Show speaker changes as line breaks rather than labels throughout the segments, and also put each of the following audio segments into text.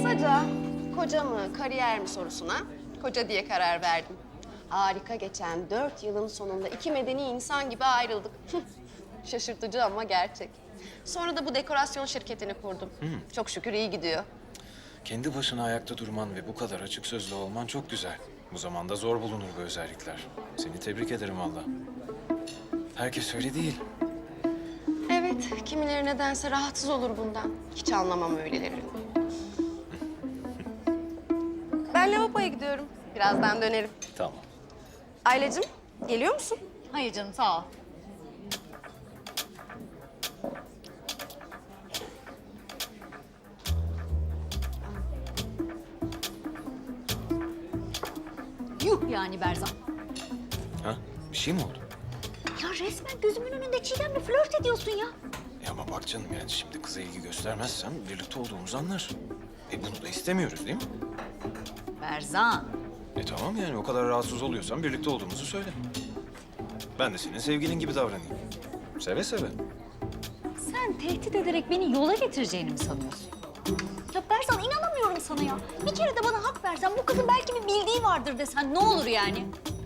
Kısaca koca mı, kariyer mi sorusuna koca diye karar verdim. Harika geçen 4 yılın sonunda iki medeni insan gibi ayrıldık. Şaşırtıcı ama gerçek. Sonra da bu dekorasyon şirketini kurdum. Çok şükür iyi gidiyor.
Kendi başına ayakta durman ve bu kadar açık sözlü olman çok güzel. Bu zamanda zor bulunur bu özellikler. Seni tebrik ederim valla. Herkes öyle değil.
Evet, kimileri nedense rahatsız olur bundan. Hiç anlamam öylelerini. Ben lavaboya gidiyorum. Birazdan dönerim.
Tamam.
Ailecim, geliyor musun?
Hayır canım, sağ ol. Yuh yani Berzan.
Ha? Bir şey mi oldu?
Ya resmen gözümün önünde Çiğdem'le flört ediyorsun ya.
Ama bak canım yani şimdi kıza ilgi göstermezsem birlikte olduğumuzu anlar. Bunu da istemiyoruz değil mi?
Berzan.
Tamam yani o kadar rahatsız oluyorsan birlikte olduğumuzu söyle. Ben de senin sevgilin gibi davranayım. Seve seve.
Sen tehdit ederek beni yola getireceğini mi sanıyorsun? Ya Berzan inanamıyorum sana ya. Bir kere de bana hak versen bu kızın belki bir bildiği vardır desen ne olur yani?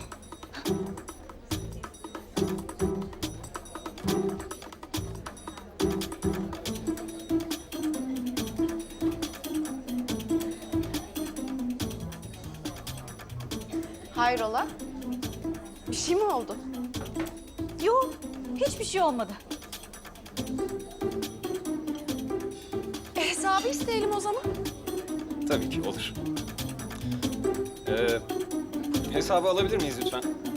Hayrola? Bir şey mi oldu?
Yok, hiçbir şey olmadı.
Hesabı isteyelim o zaman.
Tabii ki olur. Hesabı alabilir miyiz lütfen?